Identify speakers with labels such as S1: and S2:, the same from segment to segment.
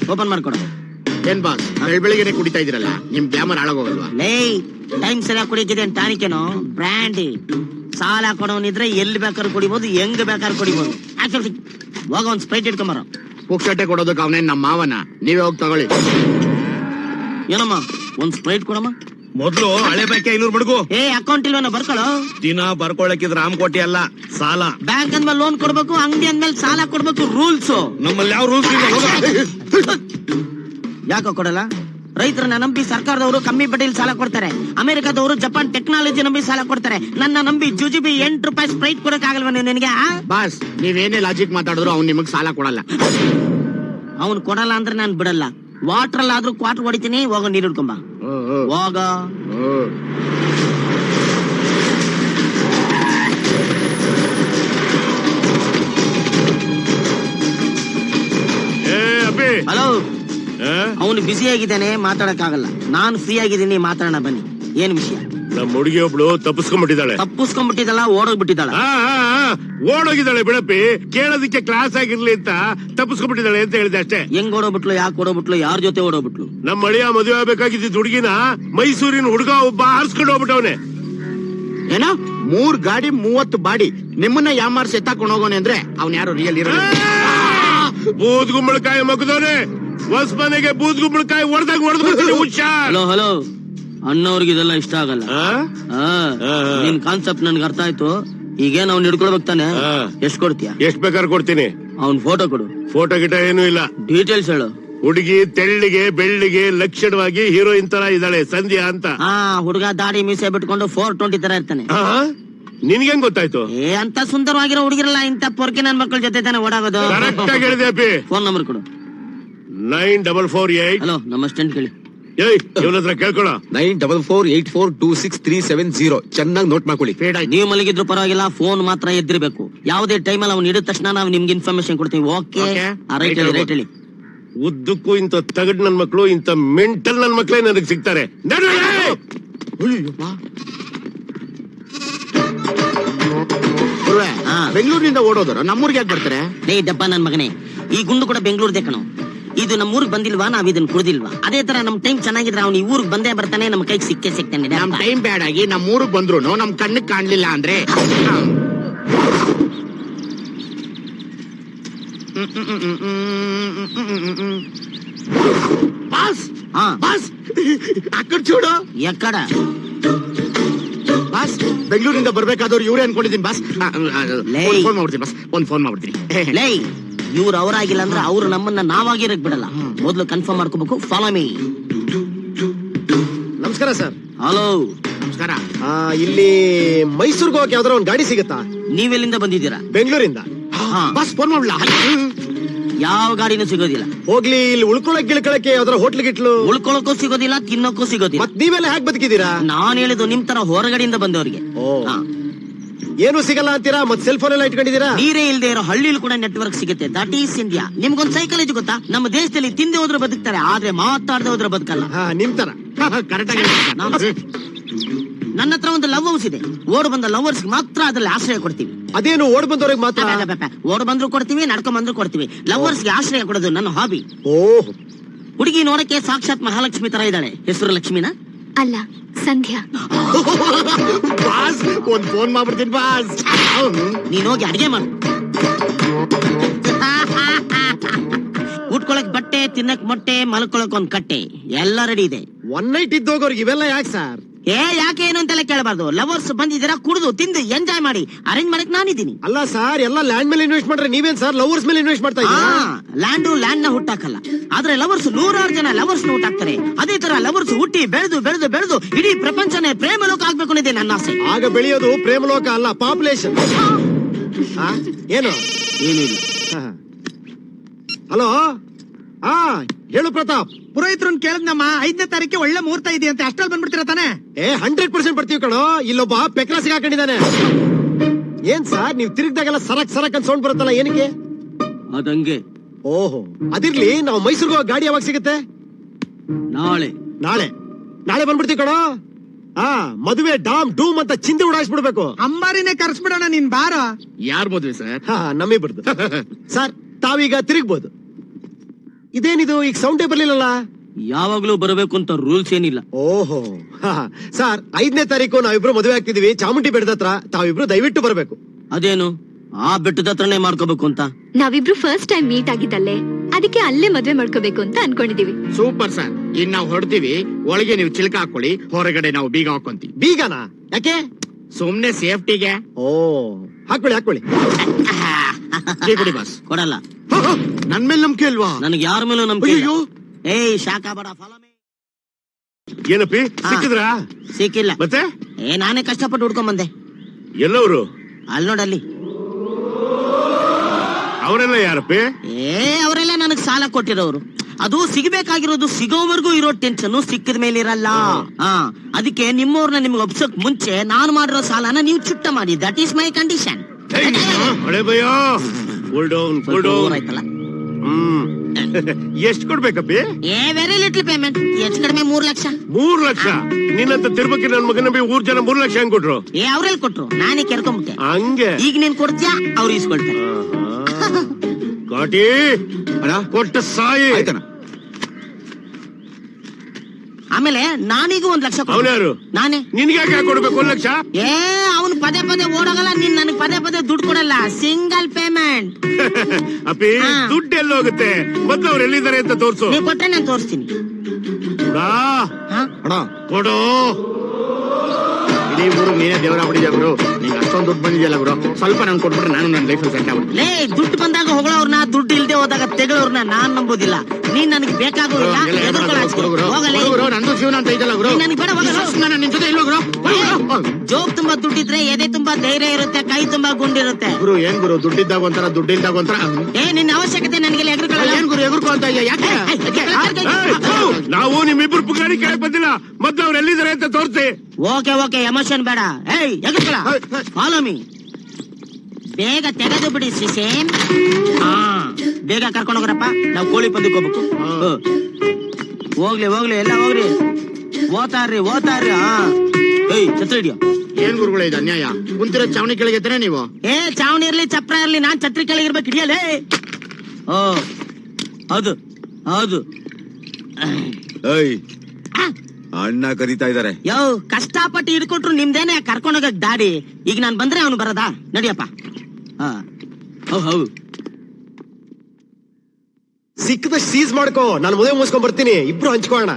S1: Open ಮಾಡ್ಕೊಡು.
S2: ಏನ್ boss ಬೆಳಿಗ್ಗೆ ಕುಡಿತಾ ಇದೀರಲ್ಲ, ನಿಮ್ ಗ್ಲಾಮರ್ ಹಾಳಾಗೋಗಲ್ವಾ?
S1: ಲೇ, ಟೈಮ್ ಸರಿಯಾಗಿ ಕುಡಿತಿದೆ ಟಾನಿಕೇನು ಬ್ರ್ಯಾಂಡಿ. ಸಾಲ ಕೊಡೋನಿದ್ರೆ ಎಲ್ಲಿ ಬೇಕಾದ್ರೂ ಕುಡಿಬಹುದು, ಹೆಂಗ್ ಬೇಕಾದ್ರೂ ಕುಡಿಬಹುದು. ಹೋಗ ಒಂದ್ ಸ್ಪ್ರೈಟ್ ಇಟ್ಕೊಂಬಾರ.
S2: ಪುಕ್ಷಟೆ ಕೊಡೋದಕ್ಕೆ ಅವನೇನ್ ನಮ್ಮ ಮಾವನ, ನೀವೇ ಹೋಗಿ ತಗೊಳ್ಳಿ.
S1: ಏನಮ್ಮ ಒಂದ್ ಸ್ಪ್ರೈಟ್ ಕೊಡಮ್ಮ.
S3: ಮೊದ್ಲು ಹಳೆ ಬಾಕಿ 500 ಬಡ್ಗು.
S1: ಅಕೌಂಟ್ ಇಲ್ವನ ಬರ್ಕೊಳ್ಳೋ.
S3: ದಿನ ಬರ್ಕೊಳಕಿದ್ ರಾಮಕೋಟಿ ಅಲ್ಲ, ಸಾಲ.
S1: ಬ್ಯಾಂಕ್ ಅಂದ್ಮೇಲೆ ಲೋನ್ ಕೊಡ್ಬೇಕು, ಅಂಗಡಿ ಅಂದ್ಮೇಲೆ ಸಾಲ ಕೊಡ್ಬೇಕು, ರೂಲ್ಸ್.
S3: ನಮ್ಮಲ್ಲಿ ಯಾವ ರೂಲ್ಸ್ ಇಲ್ಲ.
S1: ಯಾಕೋ ಕೊಡಲ್ಲ? ರೈತರನ್ನ ನಂಬಿ ಸರ್ಕಾರದವರು ಕಮ್ಮಿ ಬಡ್ಡಿಲಿ ಸಾಲ ಕೊಡ್ತಾರೆ. ಅಮೆರಿಕದವರು ಜಪಾನ್ ಟೆಕ್ನಾಲಜಿ ನಂಬಿ ಸಾಲ ಕೊಡ್ತಾರೆ. ನನ್ನ ನಂಬಿ ಜುಜುಬಿ 8 ರೂಪಾಯಿ ಸ್ಪ್ರೈಟ್ ಕೊಡಕ್ ಆಗಲ್ವ ನಿನಗೆ?
S2: ಬಾಸ್ ನೀವೇನೇ ಲಾಜಿಕ್ ಮಾತಾಡಿದ್ರು ಅವ್ನು ನಿಮಗ್ ಸಾಲ ಕೊಡಲ್ಲ.
S1: ಅವ್ನು ಕೊಡಲ್ಲ ಅಂದ್ರೆ ನಾನ್ ಬಿಡಲ್ಲ. ವಾಟರ್ ಅಲ್ಲಾದ್ರೂ ಕ್ವಾರ್ಟರ್ ಹೊಡಿತೀನಿ. ಹೋಗೋ ನೀರು ಹಿಡ್ಕೊಂಬ. ಹೋಗ. ಹಲೋ, ಅವನು ಬಿಸಿ ಆಗಿದ್ದಾನೆ, ಮಾತಾಡಕ್ ಆಗಲ್ಲ. ನಾನು ಫ್ರೀ ಆಗಿದ್ದೀನಿ, ಮಾತಾಡೋಣ ಬನ್ನಿ. ಏನ್ ವಿಷಯ?
S3: ನಮ್ಮ ಹುಡುಗಿ ಒಬ್ಳು ತಪ್ಪಿಸ್ಕೊಂಡ್ಬಿಟ್ಟಿದ್ದಾಳೆ.
S1: ಓಡೋಗ್ಬಿಟ್ಟಿದ್ದಾಳ.
S3: ಓಡೋಗಿದ್ದಾಳೆ ಬಿಡಪ್ಪಿ. ಕೇಳೋದಕ್ಕೆ ಕ್ಲಾಸ್ ಆಗಿರ್ಲಿ ಅಂತ ತಪ್ಪಿಸ್ಕೊಂಡ್ಬಿಟ್ಟಿದ್ದಾಳೆ ಅಂತ ಹೇಳಿದೆ ಅಷ್ಟೇ.
S1: ಹೆಂಗ್ ಓಡೋಗ್ಬಿಟ್ಲು, ಯಾಕೆ ಓಡೋಗ್ಬಿಟ್ಲು, ಯಾರ ಜೊತೆ ಓಡೋಗ್ಬಿಟ್ಲು?
S3: ನಮ್ಮ ಅಳಿಯ ಮದುವೆ ಆಗ್ಬೇಕಾಗಿದ್ದ ಹುಡುಗಿನ ಮೈಸೂರಿನ ಹುಡುಗ ಒಬ್ಬ ಹಾರಿಸ್ಕೊಂಡು ಹೋಗ್ಬಿಟ್ಟವನೆ.
S2: ಏನೋ 3 ಗಾಡಿ 30 ಬಾಡಿ ನಿಮ್ಮನ್ನ ಯಾಮಾರ್ಸಿ ಎತ್ತಾಕೊಂಡು ಹೋಗೋನೆ ಅಂದ್ರೆ ಅವ್ನ್ ಯಾರು ರಿಯಲ್ ಇರೋ?
S3: ಬೂದ್ಗುಂಬಳಕಾಯಿ ಮಗದವನೆ. ಹೊಸ್ಮನೆಗೆ ಬೂದ್ಗುಂಬಳಕಾಯಿ ಹೊಡೆದು ಹುಷಾರ್.
S1: ಹಲೋ, ಅಣ್ಣವ್ರಿಗೆ ಇದೆಲ್ಲ ಇಷ್ಟ ಆಗಲ್ಲ. ನಿನ್ ಕಾನ್ಸೆಪ್ಟ್ ನನ್ಗೆ ಅರ್ಥ ಆಯ್ತು. ಈಗೇನ್ ಅವ್ನ್ ಹಿಡ್ಕೊಳ್ಬೇಕು ತಾನೆ? ಎಷ್ಟ್ ಕೊಡ್ತೀಯ?
S3: ಎಷ್ಟ್ ಬೇಕಾದ್ರೆ ಕೊಡ್ತೀನಿ.
S1: ಅವ್ನ್ ಫೋಟೋ ಕೊಡು.
S3: ಫೋಟೋ ಗಿಟ ಏನೂ ಇಲ್ಲ.
S1: ಡೀಟೇಲ್ಸ್ ಹೇಳು.
S3: ಹುಡುಗಿ ತೆಳ್ಳಿಗೆ ಬೆಳ್ಳಿಗೆ ಲಕ್ಷಣವಾಗಿ ಹೀರೋಯಿನ್ ತರ ಇದ್ದಾಳೆ, ಸಂಧ್ಯಾ ಅಂತ.
S1: ಹುಡುಗ ದಾಡಿ ಮೀಸೆ ಬಿಟ್ಕೊಂಡು 420 ತರ ಇರ್ತಾನೆ.
S3: ನಿನ್ಗೆಂಗ್ ಗೊತ್ತಾಯ್ತು?
S1: ಅಂತ ಸುಂದರವಾಗಿರೋ ಹುಡುಗಿರಲ್ಲ ಇಂತ ಪೊರ್ಕೆ ನನ್ ಮಕ್ಕಳ ಜೊತೆ ತಾನೆ ಓಡಾಗೋದು.
S3: ಕರೆಕ್ಟ್ ಆಗಿ ಹೇಳಿದೆ ಅಪ್ಪಿ.
S1: ಫೋನ್ ನಂಬರ್ ಕೊಡು.
S3: 9448.
S1: ಹಲೋ, ನಮ್ಮ ಅಸ್ಟೆಂಟ್ ಕೇಳಿ.
S3: ಇವನ ಹತ್ರ ಕೇಳ್ಕೊಳ.
S4: 9448426370. ಚೆನ್ನಾಗಿ ನೋಟ್ ಮಾಡ್ಕೊಳ್ಳಿ.
S1: ನೀವು ಮಲಗಿದ್ರು ಪರವಾಗಿಲ್ಲ, ಫೋನ್ ಮಾತ್ರ ಎದ್ದಿರ್ಬೇಕು. ಯಾವುದೇ ಟೈಮಲ್ಲಿ ಅವ್ನು ಹಿಡಿದ ತಕ್ಷಣ ನಾವು ನಿಮ್ಗೆ ಇನ್ಫಾರ್ಮೇಶನ್ ಕೊಡ್ತೀವಿ. ಓಕೆ? ರೈಟ್ ಹೇಳಿ.
S3: ಉದ್ದಕ್ಕೂ ಇಂತ ತಗಡ್ ನನ್ ಮಕ್ಳು, ಇಂತ ಮೆಂಟಲ್ ನನ್ ಮಕ್ಳೇ ನನಗ್ ಸಿಗ್ತಾರೆ.
S2: ಬೆಂಗಳೂರಿನಿಂದ ಓಡೋದ್ರು ನಮ್ಮೂರ್ಗೆ ಯಾಕೆ ಬರ್ತಾರೆ?
S1: ಡಬ್ಬ ನನ್ ಮಗನೇ, ಈ ಗುಂಡು ಕೂಡ ಬೆಂಗಳೂರ್ದೇ ಕಣೋ. ಇದು ನಮ್ಮ ಊರಿಗೆ ಬಂದಿಲ್ವಾ, ನಾವ್ ಇದನ್ನ ಕುಡ್ದಿಲ್ವಾ? ಅದೇ ತರ ನಮ್ ಟೈಮ್ ಚೆನ್ನಾಗಿದ್ರೆ ಅವ್ನು ಈ ಊರಿಗೆ ಬಂದೇ ಬರ್ತಾನೆ, ನಮ್ ಕೈಗೆ ಸಿಗ್ತಾನೆ.
S2: ನಮ್ ಟೈಮ್ ಬ್ಯಾಡ್ ಆಗಿ ನಮ್ ಊರಿಗೆ ಬಂದ್ರು ನಮ್ ಕಣ್ಣಿಗೆ ಕಾಣ್ಲಿಲ್ಲ ಅಂದ್ರೆ ಬಾಸ್ ಬಾಸ್ ಅಕ್ಕಡ ಚೂಡು.
S1: ಎಕ್ಕಡ
S2: ಬಾಸ್ ಬೆಂಗಳೂರಿಂದ ಬರ್ಬೇಕಾದವ್ರು ಇವ್ರೇ ಅನ್ಕೊಂಡಿದ್ದೀನಿ ಬಾಸ್. ಫೋನ್ ಮಾಡ್ಬಿಡ್ತೀನಿ ಬಾಸ್, ಒಂದ್ ಫೋನ್ ಮಾಡ್ಬಿಡ್ತೀನಿ.
S1: ಲೈ, ಇವ್ರು ಅವರಾಗಿಲ್ಲ ಅಂದ್ರೆ ಅವ್ರು ನಮ್ಮನ್ನ ನಾವಾಗಿರಕ್ ಬಿಡಲ್ಲ. ಮೊದ್ಲು ಕನ್ಫರ್ಮ್ ಮಾಡ್ಕೋಬೇಕು. Follow me.
S4: ನಮಸ್ಕಾರ ಸರ್.
S1: ಹಲೋ,
S2: ನಮಸ್ಕಾರ.
S4: ಇಲ್ಲಿ ಮೈಸೂರ್ಗೆ ಹೋಗಕ್ಕೆ ಯಾವ್ದಾರ ಒಂದ್ ಗಾಡಿ ಸಿಗುತ್ತಾ?
S1: ನೀವೆಲ್ಲಿಂದ ಬಂದಿದ್ದೀರಾ?
S4: ಬೆಂಗಳೂರಿಂದ.
S2: ಬಾಸ್ ಫೋನ್ ಮಾಡ್ಲಾ?
S1: ಯಾವ ಗಾಡಿನೂ ಸಿಗೋದಿಲ್ಲ.
S4: ಹೋಗ್ಲಿ, ಇಲ್ಲಿ ಉಳ್ಕೊಳಕ್ ಗಿಳ್ಕೊಳಕ್ಕೆ ಯಾವ್ದಾರ ಹೋಟ್ಲ್ ಗಿಟ್ಲು?
S1: ಉಳ್ಕೊಳಕ್ಕೂ ಸಿಗೋದಿಲ್ಲ, ತಿನ್ನೋಕ್ಕೂ ಸಿಗೋದಿಲ್ಲ.
S4: ಮತ್ ನೀವೆಲ್ಲ ಹ್ಯಾಕ್ ಬದುಕಿದೀರಾ?
S1: ನಾನ್ ಹೇಳಿದ್ದು ನಿಮ್ ತರ ಹೊರಗಡೆಯಿಂದ ಬಂದವ್ರಿಗೆ.
S4: ಏನು ಸಿಗಲ್ಲ ಅಂತೀರಾ? ಮತ್ ಸೆಲ್ ಫೋನ್ ಎಲ್ಲ ಇಟ್ಕೊಂಡಿದೀರಾ?
S1: ನೀರೇ ಇಲ್ದೇ ಇರೋ ಹಳ್ಳಿಲಿ ಕೂಡ ನೆಟ್ವರ್ಕ್ ಸಿಗುತ್ತೆ. That is India. ನಿಮ್ಗೊಂದ್ ಸೈಕಾಲಜಿ ಗೊತ್ತಾ? ನಮ್ಮ ದೇಶದಲ್ಲಿ ತಿಂದೆ ಹೋದ್ರೆ ಬದುಕ್ತಾರೆ, ಆದ್ರೆ ಮಾತಾಡದೆ ಹೋದ್ರೆ ಬದುಕಲ್ಲ.
S4: ನಿಮ್ ತರ
S2: ಕರೆಕ್ಟ್ ಆಗಿ.
S1: ನನ್ನ ಹತ್ರ ಒಂದು ಲವ್ ಹೌಸ್ ಇದೆ. ಓಡ್ ಬಂದ ಲವರ್ಸ್ ಮಾತ್ರ ಅದ್ರಲ್ಲಿ ಆಶ್ರಯ ಕೊಡ್ತೀವಿ.
S4: ಅದೇನು ಓಡ್ ಬಂದವ್ರಿಗೆ ಮಾತ್ರ?
S1: ಓಡ್ ಬಂದ್ರು ಕೊಡ್ತೀವಿ, ನಡ್ಕೊಂಡ್ ಬಂದ್ರು ಕೊಡ್ತೀವಿ. ಲವರ್ಸ್ಗೆ ಆಶ್ರಯ ಕೊಡೋದು ನನ್ನ ಹಾಬಿ. ಹುಡುಗಿ ನೋಡಕ್ಕೆ ಸಾಕ್ಷಾತ್ ಮಹಾಲಕ್ಷ್ಮಿ ತರ ಇದ್ದಾಳೆ. ಹೆಸರು ಲಕ್ಷ್ಮಿನ?
S5: ಅಲ್ಲ, ಸಂಧ್ಯಾ.
S2: ಬಾಸ್ ಒಂದ್ ಫೋನ್ ಮಾಡ್ಬಿಡ್ತೀನಿ ಬಾಸ್.
S1: ನೀನ್ ಹೋಗಿ ಅಡಿಗೆ ಮಾಡು. ಉಟ್ಕೊಳಕ್ ಬಟ್ಟೆ, ತಿನ್ನಕ್ ಮೊಟ್ಟೆ, ಮಲ್ಕೊಳಕ್ ಒಂದ್ ಕಟ್ಟೆ, ಎಲ್ಲ ರೆಡಿ ಇದೆ.
S4: ಒನ್ ನೈಟ್ ಇದ್ದೋಗೋರ್ಗೆ ಇವೆಲ್ಲ ಯಾಕೆ ಸರ್?
S1: ಯಾಕೆ ಏನು ಅಂತೆಲ್ಲ ಕೇಳಬಾರ್ದು. ಲವರ್ಸ್ ಬಂದಿದ್ದೀರಾ, ಕುಡಿದು ತಿಂದು ಎಂಜಾಯ್ ಮಾಡಿ. ಅರೇಂಜ್ ಮಾಡಕ್ ನಾನಿದ್ದೀನಿ.
S4: ಅಲ್ಲ ಸರ್, ಎಲ್ಲ ಲ್ಯಾಂಡ್ ಮೇಲೆ ಇನ್ವೆಸ್ಟ್ ಮಾಡ್ರೆ ನೀವೇನ್ ಸರ್ ಲವರ್ಸ್ ಮೇಲೆ ಇನ್ವೆಸ್ಟ್ ಮಾಡ್ತಾ ಇದ್ದೀರಾ?
S1: ಲ್ಯಾಂಡ್ ನ ಹುಟ್ಟಾಕಲ್ಲ, ಆದ್ರೆ ಲವರ್ಸ್ 100 ಜನ ಲವರ್ಸ್ ನ ಹುಟ್ಟಾಕ್ತಾರೆ. ಅದೇ ತರ ಲವರ್ಸ್ ಹುಟ್ಟಿ ಬೆಳೆದು ಬೆಳೆದು ಬೆಳೆದು ಇಡೀ ಪ್ರಪಂಚನೇ ಪ್ರೇಮ ಲೋಕ ಆಗ್ಬೇಕು ಅನ್ನೋದೇ ನನ್ನ ಆಸೆ.
S4: ಆಗ ಬೆಳೆಯೋದು ಪ್ರೇಮ ಲೋಕ ಅಲ್ಲ, ಪಾಪ್ಯುಲೇಷನ್. ಏನು
S1: ಏನಿಲ್ಲ.
S4: ಹಲೋ, ಹೇಳು ಪ್ರತಾಪ್.
S6: ಪುರೋಹಿತ್ರನ್ ಕೇಳಿದ್ನಮ್ಮ, 5ನೇ ತಾರೀಕಿಗೆ ಒಳ್ಳೆ ಮುಹೂರ್ತ ಇದೆ ಅಂತ. ಅಷ್ಟಲ್ಲಿ ಬಂದ್ಬಿಡ್ತೀರಾ ತಾನೆ?
S4: 100% ಬರ್ತೀವಿ ಕಣೋ. ಇಲ್ಲೊಬ್ಬ ಪೆಕ್ರ ಸಿಗಾಕೊಂಡಿದ್ದಾನೆ. ಏನ್ ಸರ್, ನೀವ್ ತಿರುಗ್ದಾಗೆಲ್ಲ ಸರಕ್ ಅಂತ ಸೌಂಡ್ ಬರುತ್ತಲ್ಲ, ಏನಕ್ಕೆ?
S1: ಅದಂಗೆ.
S4: ಓಹೋ, ಅದಿರ್ಲಿ. ನಾವು ಮೈಸೂರ್ಗೆ ಹೋಗೋ ಗಾಡಿ ಯಾವಾಗ ಸಿಗುತ್ತೆ?
S1: ನಾಳೆ
S4: ಬಂದ್ಬಿಡ್ತೀವಿ ಕಣೋ. ಮದುವೆ ಡಾಮ್ ಡೂಮ್ ಅಂತ ಚಿಂದಿ ಉಡಾಯಿಸ್ಬಿಡ್ಬೇಕು.
S6: ಅಂಬಾರಿನೇ ಕರ್ಸ್ಬಿಡೋಣ, ನೀನ್ ಬಾರ.
S2: ಯಾರ್ ಮದ್ವೆ ಸರ್?
S4: ನಮ್ಮಿಬ್ರದ್ದು. ಸರ್, ತಾವೀಗ ತಿರುಗ್ಬೋದು. ಇದೇನಿದು ಈಗ ಸೌಂಡೇ ಬರ್ಲಿಲ್ಲಲ್ಲ?
S1: ಯಾವಾಗ್ಲೂ ಬರಬೇಕು ಅಂತ ರೂಲ್ಸ್ ಏನಿಲ್ಲ.
S4: ಓಹೋ ಸರ್, 5ನೇ ತಾರೀಕು ನಾವಿಬ್ರು ಮದುವೆ ಆಗ್ತಿದೀವಿ ಚಾಮುಂಡಿ ಬೆಟ್ಟದ ಹತ್ರ. ತಾವಿಬ್ರು ದಯವಿಟ್ಟು ಬರ್ಬೇಕು.
S1: ಅದೇನು ಆ ಬೆಟ್ಟದ ಹತ್ರನೇ ಮಾಡ್ಕೋಬೇಕು ಅಂತ?
S5: ನಾವಿಬ್ರು ಫಸ್ಟ್ ಟೈಮ್ ಮೀಟ್ ಆಗಿದ್ದಲ್ಲೇ, ಅದಕ್ಕೆ ಅಲ್ಲೇ ಮದ್ವೆ ಮಾಡ್ಕೋಬೇಕು ಅಂತ ಅನ್ಕೊಂಡಿದೀವಿ.
S2: Super sir. ಇನ್ ನಾವು ಹೊಡ್ತೀವಿ, ಒಳಗೆ ನೀವು ಚಿಲ್ಕ ಹಾಕೊಳ್ಳಿ, ಹೊರಗಡೆ ನಾವು ಬೀಗ ಹಾಕೊಂತೀವಿ.
S4: ಬೀಗನಾ? ಯಾಕೆ?
S2: ಸುಮ್ನೆ ಸೇಫ್ಟಿಗೆ.
S4: ಓ, ಹಾಕೊಳ್ಳಿ.
S2: ಟೀ ಕುಡಿ ಬಾಸ್.
S1: ಕೊಡಲ್ಲ.
S2: ನನ್ ಮೇಲೆ ನಂಬಿಕೆ ಅಲ್ವಾ?
S1: ನನಗೆ ಯಾರ ಮೇಲೂ ನಂಬಿಕೆ ಇಲ್ಲ.
S2: ಅಯ್ಯೋ,
S1: ಏಯ್ ಶಾಖ ಬಡ ಫಾಲೋ ಮೀ.
S3: ಏನಪ್ಪಿ ಸಿಕ್ಕಿದ್ರಾ?
S1: ಸಿಕ್ಕಿಲ್ಲ.
S3: ಮತ್ತೆ
S1: ನಾನೇ ಕಷ್ಟಪಟ್ಟು ಹುಡ್ಕೊಂಡ್ ಬಂದೆ.
S3: ಎಲ್ಲವರು?
S1: ಅಲ್ಲಿ ನೋಡಲ್ಲಿ.
S3: ಅವರೆಲ್ಲ ಯಾರಪ್ಪಿ?
S1: ಅವರೆಲ್ಲ ನನಗ್ ಸಾಲ ಕೊಟ್ಟಿರೋರು. ಅದು ಸಿಗಬೇಕಾಗಿರೋದು ಸಿಗೋವರೆಗೂ ಇರೋ ಟೆನ್ಷನ್ ಸಿಕ್ಕಿದ ಮೇಲೆ ಇರಲ್ಲ. ಅದಕ್ಕೆ ನಿಮ್ಮವ್ರನ್ನ ನಿಮ್ಗೆ ಒಪ್ಸಕ್ ಮುಂಚೆ ನಾನು ಮಾಡಿರೋ ಸಾಲನ ನೀವು ಚುಟ್ಟ ಮಾಡಿ. That is my condition.
S3: ಹಳೆ ಭಯ. Cool down.
S1: ಆಯ್ತಲ್ಲ.
S3: ಎಷ್ಟ್ ಕೊಡ್ಬೇಕಪ್ಪಿ?
S1: Very little payment. ಹೆಚ್ಚು ಕಡಿಮೆ 3 ಲಕ್ಷ.
S3: 3 ಲಕ್ಷ? ನಿನ್ನಂತ ತಿರ್ಬಕ್ಕೆ ನನ್ ಮಗನ ಊರ್ ಜನ 3 ಲಕ್ಷ ಹೆಂಗ್ ಕೊಟ್ರು?
S1: ಅವ್ರೆಲ್ ಕೊಟ್ರು, ನಾನೇ ಕೆರ್ಕೊಂಬಿಟ್ಟೆ.
S3: ಹಂಗೆ
S1: ಈಗ ನೀನ್ ಕೊಡ್ತೀಯಾ, ಅವ್ರು ಇಸ್ಕೊಳ್ತಾರೆ.
S3: ಕಾಟಿ ಕೊಟ್ಟ ಸಾಯಿ.
S1: ಆಮೇಲೆ ನಾನೀಗ 1 ಲಕ್ಷ ಕೊಡ್ತೀನಿ.
S3: ಅವನ್ಯಾರು?
S1: ನಾನೇ.
S3: ನಿನ್ಗೆ ಯಾಕೆ ಕೊಡ್ಬೇಕು 1 ಲಕ್ಷ?
S1: ಅವನು ಪದೇ ಓಡೋಗಲ್ಲ. ನೀನ್ ನನಗ್ ಪದೇ ದುಡ್ಡು ಕೊಡಲ್ಲ. Single payment.
S3: ಅಪ್ಪಿ ದುಡ್ಡು ಎಲ್ಲ ಹೋಗುತ್ತೆ. ಮೊದ್ಲು ಅವ್ರು ಎಲ್ಲಿದ್ದಾರೆ ಅಂತ ತೋರ್ಸು.
S1: ನೀವ್ ಕೊಟ್ರೆ ನಾನು ತೋರಿಸ್ತೀನಿ.
S2: ಕೊಡು. ಇಡೀ ಊರು ನೀನೇ ದೇವರಾಗ್ಬಿಟ್ಟಿದ್ಯಾ ಗುರು. ನಿಂಗೆ ಅಷ್ಟೊಂದು ದುಡ್ಡು ಬಂದಿದೆಯಲ್ಲ ಗುರು, ಸ್ವಲ್ಪ ನಂಗೆ ಕೊಟ್ಬಿಟ್ರೆ ನಾನು ನನ್ನ ಲೈಫ್ ಸೆಟ್ ಆಗ್ಬಿಟ್ಟು.
S1: ಲೇ, ದುಡ್ಡು ಬಂದಾಗ ಹೊಗಳವ್ರನ್ನ, ದುಡ್ಡು ಇಲ್ದೆ ಹೋದಾಗ ತೆಗಳವ್ರನ್ನ ನಾನ್ ನಂಬೋದಿಲ್ಲ. ನೀನ್ ನನಗೆ ಬೇಕಾಗೋದಿಲ್ಲ.
S2: ನಂದು ಜೀವನ ಅಂತ ಇದೆಯಲ್ಲ ಗುರು.
S1: ನನಗೆ ಬೇಡ.
S2: ನಾನು ನಿನ್ ಜೊತೆ ಇಲ್ವ ಗುರು?
S1: ಜೋಬ್ ತುಂಬಾ ದುಡ್ಡಿದ್ರೆ ಎದೆ ತುಂಬಾ ಧೈರ್ಯ ಇರುತ್ತೆ, ಕೈ ತುಂಬಾ ಗುಂಡಿರುತ್ತೆ.
S2: ಗುರು ಏನ್ ಗುರು, ದುಡ್ಡಿದ್ದಾಗ ಒಂಥರ, ದುಡ್ಡಿಲ್ದಾಗ ಒಂಥರ.
S1: ನಿನ್ನ ಅವಶ್ಯಕತೆ ನನಗೆ ಎಗ್ರಿಕೊಳ್ಳಲ್ಲ.
S2: ಏನ್ ಗುರು ಎಗುರ್ಕೊ ಅಂತ ಇದೆಯಾ? ಯಾಕೆ?
S3: ನಾವು ನಿಮ್ಮಿಬ್ರು ಪುಗಾಡಿ ಕೇಳಕ್ ಬಂದಿಲ್ಲ. ಮೊದ್ಲು ಅವ್ರು ಎಲ್ಲಿದ್ದಾರೆ ಅಂತ ತೋರ್ಸಿ.
S1: ಓಕೆ ಎಮೋಷನ್ ಬೇಡ. ಎಗ್ರಿಕೊಳ್ಳ. Follow me. ಬೇಗ ತೆಗೆದು ಬಿಡಿ ಸಿಸೇನ್. ಬೇಗ ಕರ್ಕೊಂಡು ಹೋಗ್ರಪ್ಪ. ನಾವು ಕೋಳಿ ಪಂದಕ್ಕೆ ಹೋಗ್ಬೇಕು. ಹೋಗ್ಲಿ ಎಲ್ಲ ಹೋಗ್ರಿ. ಓತಾರ್ರಿ. ಛತ್ರ ಹಿಡಿಯೋ.
S2: ಏನ್ ಗುರುಗಳೇ ಇದು ಅನ್ಯಾಯ? ಕುಂತಿರೋ ಚಾವಣಿ ಕೆಳಗೆ ಎತ್ತನೆ ನೀವು.
S1: ಚಾವಣಿ ಇರ್ಲಿ, ಚಪ್ರ ಇರ್ಲಿ, ನಾನ್ ಛತ್ರಿ ಕೆಳಗೆ ಇರ್ಬೇಕು. ಹಿಡಿಯಲೇ. ಹೌದು.
S7: ಅಣ್ಣ ಕರೀತಾ ಇದಾರೆ.
S1: ಕಷ್ಟಪಟ್ಟು ಹಿಡ್ಕೊಟ್ರು ನಿಮ್ದೇನೆ ಕರ್ಕೊಂಡೋಗಕ್ ದಾಡಿ. ಈಗ ನಾನ್ ಬಂದ್ರೆ ಅವನು ಬರದಾ? ನಡಿಯಪ್ಪ. ಹೌದು.
S4: ಸಿಕ್ಕದಷ್ಟು ಸೀಸ್ ಮಾಡ್ಕೋ. ನಾನು ಮದುವೆ ಮುಗಿಸ್ಕೊಂಡ್ ಬರ್ತೀನಿ. ಇಬ್ರು ಹಂಚ್ಕೋಣ.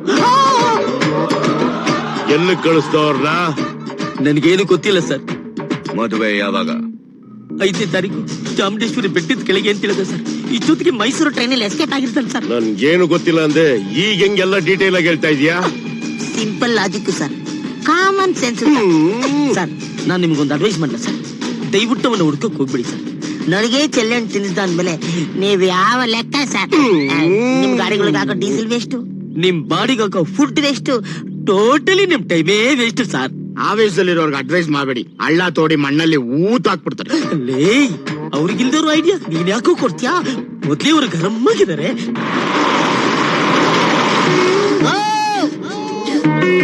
S3: ಎಲ್ಲಿ ಕಳಿಸ್ತವ್ರನ್ನ?
S1: ನನ್ಗೇನು ಗೊತ್ತಿಲ್ಲ ಸರ್.
S7: ಮದುವೆ ಯಾವಾಗ?
S1: 5ನೇ ತಾರೀಕು ಚಾಮುಂಡೇಶ್ವರಿ ಬೆಟ್ಟದ ಕೆಳಗೆ ಅಂತ ಹೇಳಿದೆ ಸರ್. ಈ ಜೊತೆಗೆ ಮೈಸೂರು ಟ್ರೈನಲ್ಲಿ ಎಸ್ಕೇಪ್ ಆಗಿರ್ತಾನೆ ಸರ್.
S3: ನನ್ಗೇನು ಗೊತ್ತಿಲ್ಲ ಅಂದೆ, ಈಗ ಹೆಂಗೆಲ್ಲ ಡೀಟೇಲ್ ಆಗಿ ಹೇಳ್ತಾ ಇದೀಯಾ?
S1: Simple logic sir, common sense sir. ನಾನ್ ನಿಮ್ಗೊಂದು ಅಡ್ವೈಸ್ ಮಾಡ್ಲ ಸರ್. ದಯವಿಟ್ಟು ಅವನ್ನ ಹುಡ್ಕಕ್ ಹೋಗ್ಬಿಡಿ ಸರ್. ನನಗೆ ಚೆಲ್ಲಣ್ಣು ತಿನ್ನಿಸ್ದ ಅಂದ್ಮೇಲೆ ನೀವ್ ಯಾವ ಲೆಕ್ಕ ಸರ್? ನಿಮ್ ಗಾಡಿಗಳಿಗೆ ಹಾಕೋ ಡೀಸೆಲ್ ವೇಸ್ಟ್, ನಿಮ್ ಬಾಡಿಗೆ ಹಾಕೋ ಫುಡ್ ವೇಸ್ಟ್, ಟೋಟಲಿ ನಿಮ್ ಟೈಮೇ ವೇಸ್ಟ್ ಸರ್.
S2: ಆವೇಶದಲ್ಲಿರೋರ್ಗೆ ಅಡ್ವೈಸ್ ಮಾಡಬೇಡಿ. ಹಳ್ಳ ತೋಡಿ ಮಣ್ಣಲ್ಲಿ ಊತ ಹಾಕ್ಬಿಡ್ತಾರೆ.
S1: ಲೇ, ಅವ್ರಿಗಿಲ್ದವ್ರು ಐಡಿಯಾ ನೀನ್ ಯಾಕೋ ಕೊಡ್ತೀಯಾ? ಮೊದ್ಲೇ ಅವ್ರು ಗರಂ ಆಗಿದ್ದಾರೆ.